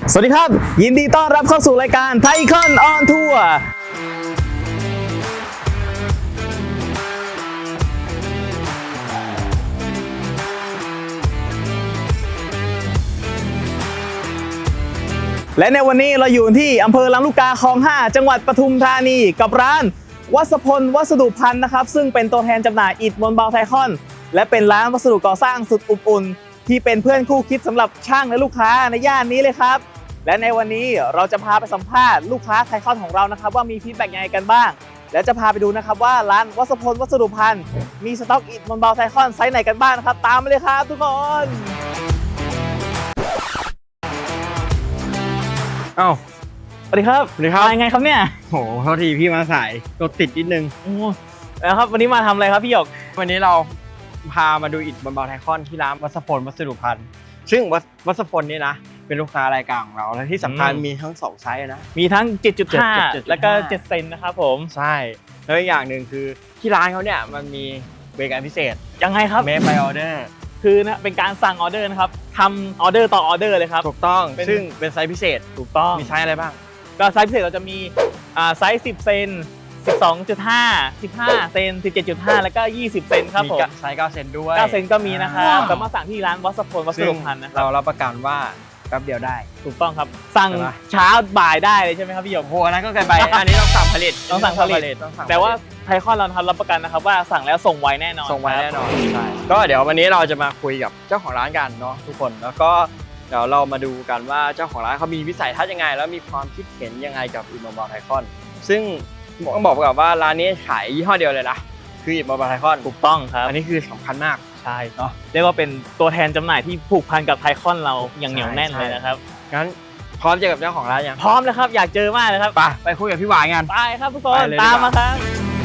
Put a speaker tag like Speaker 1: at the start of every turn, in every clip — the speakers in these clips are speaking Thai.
Speaker 1: สวัสดีครับยินดีต้อนรับเข้าสู่รายการไทคอนออนทัวร์และในวันนี้เราอยู่ที่อำเภอลำลูกกาคลอง 5 จังหวัดปทุมธานีกับร้านวัสพลวัสดุพันธ์นะครับซึ่งเป็นตัวแทนจำหน่ายอิฐมวลเบาไทคอนและเป็นร้านวัสดุก่อสร้างสุดอบอุ่นที่เป็นเพื่อนคู่คิดสำหรับช่างและลูกค้าในย่านนี้เลยครับและในวันนี้เราจะพาไปสัมภาษณ์ลูกค้าไทคอนของเรานะครับว่ามีฟีดแบ็กยังไงกันบ้างและจะพาไปดูนะครับว่าร้านวัสพลวัสดุพันธ์มีสต็อกอิฐมวลเบาไทคอนไซส์ไหนกันบ้างนะครับตามมาเลยครับทุกคน
Speaker 2: อ้าว
Speaker 1: สวัสดีครับ
Speaker 2: สวัสดีครับ
Speaker 1: ยังไงครับเนี่ย
Speaker 2: โหโทษทีพี่มาสายรถติดนิดนึง
Speaker 1: แล้วครับวันนี้มาทำอะไรครับพี่หยก
Speaker 2: วันนี้เราพามาดูอิฐมวลเบาไทคอนที่ร้านวัสพลวัสดุพันธ์ซึ่งวัสพลนี่นะเป็นลูกค้ารายการของเราและที่สำคัญมีทั้ง2ไซส์นะ
Speaker 1: มีทั้ง 7.5 แล้วก็7 เซนนะครับผม
Speaker 2: ใช่แล้วอีกอย่างหนึ่งคือที่ร้านเขาเนี่ยมันมีบริการพิเศษ
Speaker 1: ยังไงครับ
Speaker 2: Make by Order
Speaker 1: คือนะเป็นการสั่งออเดอร์นะครับทำออเดอร์ต่อออเดอร์เลยครับ
Speaker 2: ถูกต้องซึ่งเป็นไซส์พิเศษ
Speaker 1: ถูกต้อง
Speaker 2: มีไซส์อะไรบ้าง
Speaker 1: ก็ไซส์พิเศษเราจะมีไซส์10 เซน 12.5 15 เซน 17.5 แล้วก็20 เซนครับผม
Speaker 2: ไซส์9 เซนด้วย
Speaker 1: 9 เซนก็มีนะครับสามารถสั่งที่ร้านวัสพลวัสดุพันธ์นะครับ
Speaker 2: เรารับประกันว่าแป๊บเดียวได้
Speaker 1: ถูกต้องครับสั่งเช้าบ่ายได้เลยใช่ไหมครับพี่หยก
Speaker 2: โอ้นั้นก็เกินไปอันนี้ต้องสั่งผลิต
Speaker 1: แต่ว่าไทคอนเราทำรับประกันนะครับว่าสั่งแล้วส่งไวแน่นอน
Speaker 2: ส่งไวแน่นอนใช่ก็เดี๋ยววันนี้เราจะมาคุยกับเจ้าของร้านกันเนาะทุกคนแล้วก็เดี๋ยวเรามาดูกันว่าเจ้าของร้านเขามีวิสัยทัศน์ยังไงแล้วมีความคิดเห็นยังไงกับอิฐมวลเบาไทคอนซึ่งต้องบอกก่อนว่าร้านนี้ขายยี่ห้อเดียวเลยนะคืออิฐมวลเบาไทคอน
Speaker 1: ถูกต้องครับ
Speaker 2: อันนี้คือสำคัญมาก
Speaker 1: ใช่เนาะเรียกว่าเป็นตัวแทนจำหน่ายที่ผูกพันกับไทคอนเราอย่างเหนียวแน่นเลยนะครับ
Speaker 2: งั้นพร้อมเจอกับเจ้าของร้านยัง
Speaker 1: พร้อมแล้วครับอยากเจอมากเลยครับ
Speaker 2: ไปคุยกับพี่หวานกัน
Speaker 1: ไปครับทุกคนตามมาครับ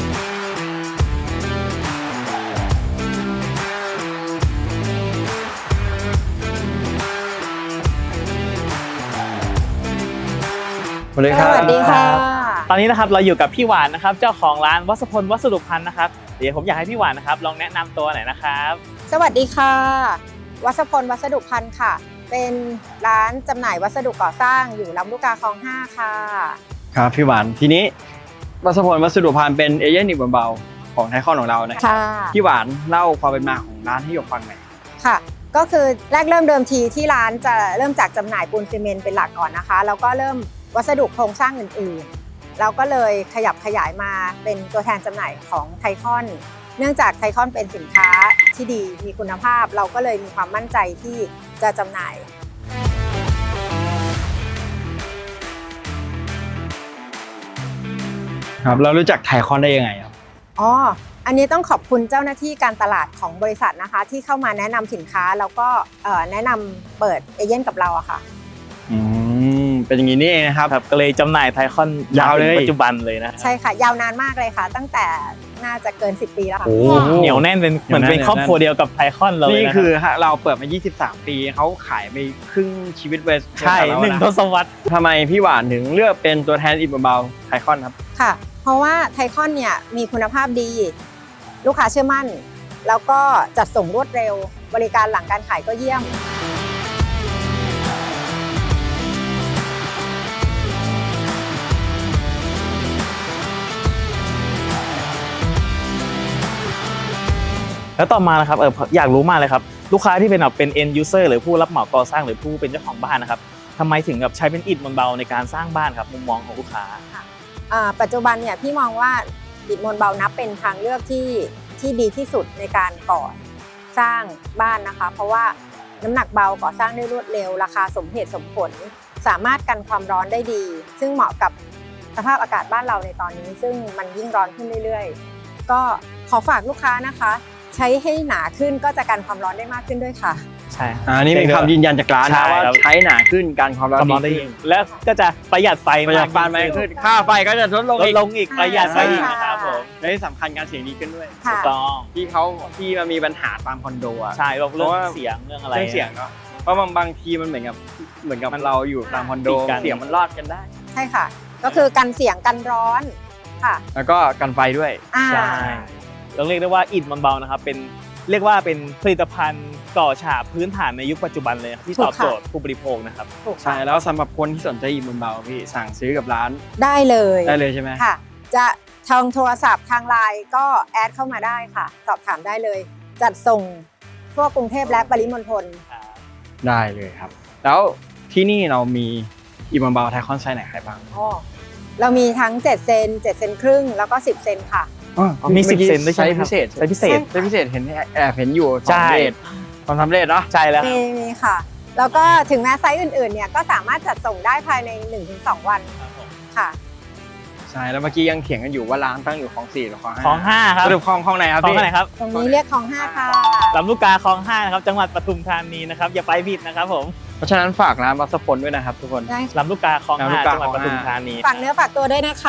Speaker 2: สวัสดีครับ
Speaker 3: สวัสดีค่ะ
Speaker 1: ตอนนี้นะครับเราอยู่กับพี่หวานนะครับเจ้าของร้านวัสพลวัสดุพันธ์นะครับเดี๋ยวผมอยากให้พี่หวานนะครับลองแนะนำตัวหน่อยนะครับ
Speaker 3: สวัสดีค่ะวัสพลวัสดุพันธ์ค่ะเป็นร้านจำหน่ายวัสดุก่อสร้างอยู่ลำลูกกาคลอง 5ค่ะ
Speaker 2: ครับพี่หวานทีนี้วัสพลวัสดุพันธ์เป็นเอเย่นอิฐมวลเบาของไทคอนของเรานะครับพี่หวานเล่าความเป็นมาของร้านให้หยกฟังหน่อย
Speaker 3: ค่ะก็คือแรกเริ่มเดิมทีที่ร้านจะเริ่มจากจำหน่ายปูนซีเมนต์เป็นหลักก่อนนะคะแล้วก็เริ่มวัสดุโครงสร้างอื่นๆเราก็เลยขยับขยายมาเป็นตัวแทนจำหน่ายของไทคอนเนื่องจากไทคอนเป็นสินค้าที่ดีมีคุณภาพเราก็เลยมีความมั่นใจที่จะจำหน่าย
Speaker 2: ครับเรารู้จักไทคอนได้ยังไงครับ
Speaker 3: อันนี้ต้องขอบคุณเจ้าหน้าที่การตลาดของบริษัทนะคะที่เข้ามาแนะนำสินค้าแล้วก็แนะนำเปิดเอเย่นกับเราอะค่ะ
Speaker 2: เป็นอย่างนี้นี่เองนะครับ
Speaker 1: ก็เลยจำหน่ายไทคอนยาวเลยปัจจุบันเลยนะ
Speaker 3: ใช่ค่ะยาวนานมากเลยค่ะตั้งแต่น่าจะเกิน10 ปีแล้วค่ะ
Speaker 1: เหนียวแน่นเป็นเหมือนเป็นครอบครัวเดียวกับไทคอนเลย
Speaker 2: นี่คือเราเปิดมา23 ปีเขาขายไปครึ่งชีวิตเวส
Speaker 1: ใช่1 ทศวรรษ
Speaker 2: ทำไมพี่หวานถึงเลือกเป็นตัวแทนอิฐมวลเบาไทคอนครับ
Speaker 3: ค่ะเพราะว่าไทคอนเนี่ยมีคุณภาพดีลูกค้าเชื่อมั่นแล้วก็จัดส่งรวดเร็วบริการหลังการขายก็เยี่ยม
Speaker 1: แล้วต่อมานะครับอยากรู้มากเลยครับลูกค้าที่เป็น end user หรือผู้รับเหมาก่อสร้างหรือผู้เป็นเจ้าของบ้านนะครับทำไมถึงใช้เป็นอิฐมวลเบาในการสร้างบ้านครับมุมมองของลูกค้า
Speaker 3: ปัจจุบันเนี่ยพี่มองว่าอิฐมวลเบานับเป็นทางเลือกที่ดีที่สุดในการก่อสร้างบ้านนะคะเพราะว่าน้ำหนักเบาก่อสร้างได้รวดเร็วราคาสมเหตุสมผลสามารถกันความร้อนได้ดีซึ่งเหมาะกับสภาพอากาศบ้านเราในตอนนี้ซึ่งมันยิ่งร้อนขึ้นเรื่อยๆก็ขอฝากลูกค้านะคะใช้ให้หนาขึ้นก็จะกันความร้อนได้มากขึ้นด้วยค่ะ
Speaker 1: ใช่
Speaker 2: นี่เป็นคำยืนยันจากร้านนะว่าใช้หนาขึ้นกันความร้อน
Speaker 1: ได้แล้วก็จะประหยัดไฟมาก
Speaker 2: ขึ้นค่าไฟก็จะลดลง
Speaker 1: อีกประหยัดไฟอีกนะครับผม
Speaker 2: และที่สำคัญการเสียงดีขึ้นด้วย
Speaker 1: ถูกต้อง
Speaker 2: ที่มันมีปัญหาตามคอนโด
Speaker 1: ใช่เรื่องเสียงเรื่องอะไร
Speaker 2: เรื่องเสียงเนาะเพราะบางทีมันเหมือนกับเราอยู่ตามคอนโดเสียงมันรอดกันได้
Speaker 3: ใช่ค่ะก็คือกันเสียงกันร้อนค่ะ
Speaker 2: แล้วก็กันไฟด้วย
Speaker 1: ใช่ต้องเรียกได้ว่าอิฐมวลเบานะครับเรียกว่าเป็นผลิตภัณฑ์ก่อฉาบพื้นฐานในยุคปัจจุบันเลยครับที่ตอบโจทย์ผู้บริโภคนะครับ
Speaker 3: ถูก
Speaker 2: ใช่แล้วสำหรับคนที่สนใจอิฐมวลเบาพี่สั่งซื้อกับร้าน
Speaker 3: ได้เลย
Speaker 2: ได้เลยใช่ไหม
Speaker 3: ค่ะ จะทางโทรศัพท์ทางไลน์ก็แอดเข้ามาได้ค่ะ สอบถามได้เลย จัดส่งทั่วกรุงเทพและปริมณฑล
Speaker 2: ได้เลยครับ แล้วที่นี่เรามีอิฐมวลเบาไทคอนไซส์ไหนขายบ้าง
Speaker 3: อ๋อเรามีทั้ง7เซน7เซนครึ่งแล้วก็10เซนค่ะ
Speaker 1: มี10 เซนด้วยใช่ไหมครับ
Speaker 2: พิเศษ
Speaker 1: ไซส์พิเศษ
Speaker 2: ไซส์พิเศษเห็นแอบเห็นอยู่
Speaker 1: ใช่
Speaker 2: ความสำเร็จเนาะ
Speaker 1: ใช่แล้ว
Speaker 3: มีค่ะ แล้วก็ถึงแม้ไซส์อื่นๆเนี่ยก็สามารถจัดส่งได้ภายใน 1-2 วันค่ะ
Speaker 2: ใช่แล้วเมื่อกี้ยังเถียงกันอยู่ว่าร้านตั้งอยู่คลอง4หรือคลอง5
Speaker 1: คลอง5ครับ
Speaker 2: สรุปคลองไหนครับ
Speaker 1: คลอง
Speaker 2: พี่
Speaker 1: ไหนครับ
Speaker 3: ตรงนี้เรียกคลอง5ค่ะ
Speaker 1: ลำลูกกาคลอง5นะครับจังหวัดปทุมธานีนะครับอย่าไปผิดนะครับผม
Speaker 2: เพราะฉะนั้นฝากร้านวัสพลด้วยนะครับทุกคน
Speaker 3: ได้
Speaker 1: ลำลูกกาคลอง
Speaker 2: ลำลูก
Speaker 1: 5
Speaker 2: กา
Speaker 1: จังหวัด
Speaker 2: คล
Speaker 1: ป
Speaker 2: อง
Speaker 1: ทุม
Speaker 2: 5
Speaker 1: ธานี
Speaker 3: ฝากเนื้อฝากตัวด้วยนะคะ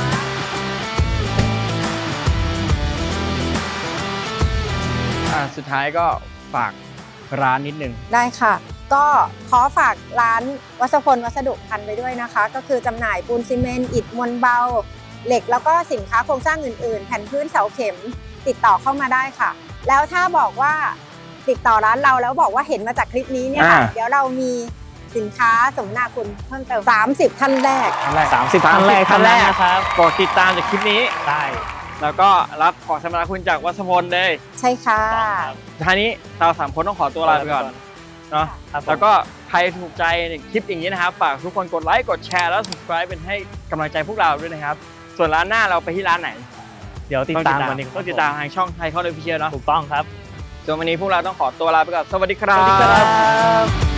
Speaker 2: สุดท้ายก็ฝากร้านนิดนึง
Speaker 3: ได้ค่ะ ก็ขอฝากร้านวัสพลวัสดุพันธ์ไปด้วยนะคะ ก็คือจำหน่ายปูนซีเมนต์อิฐมวลเบา เหล็กแล้วก็สินค้าโครงสร้างอื่นๆ แผ่นพื้นเสาเข็มติดต่อเข้ามาได้ค่ะ แล้วถ้าบอกว่าติดต่อร้านเราแล้วบอกว่าเห็นมาจากคลิปนี้เนี่ยค่ะ เดี๋ยวเรามีสินค้าสมนาคุณเพิ่มเติม30ท่านแรก
Speaker 1: 30ท่านแรกท่านแรกนะครับ
Speaker 2: กดติดตามจากคลิปนี้
Speaker 1: ได้
Speaker 2: แล้วก็รับของสมนาคุณจากวัสพลเลย
Speaker 3: ใช่ค่ะ
Speaker 2: ท้ายนี้เรา3คนต้องขอตัวลาไปก่อนเนาะ
Speaker 1: ครับผม
Speaker 2: แล้วก็ใครถูกใจในคลิปอย่างนี้นะครับฝากทุกคนกดไลค์กดแชร์แล้ว subscribe เป็นให้กำลังใจพวกเราด้วยนะครับ ส่วนร้านหน้าเราไปที่ร้านไหน
Speaker 1: เดี๋ยวติดตามวันนี้
Speaker 2: ต้องติดตามทางช่องไทยคอนออฟฟิเชียลเนาะ
Speaker 1: ถูกต้องครับ
Speaker 2: ส่วนวันนี้พวกเราต้องขอตัวลาไปก่อนสวัสดีครั
Speaker 1: ส
Speaker 2: บ
Speaker 1: วัสดีครับ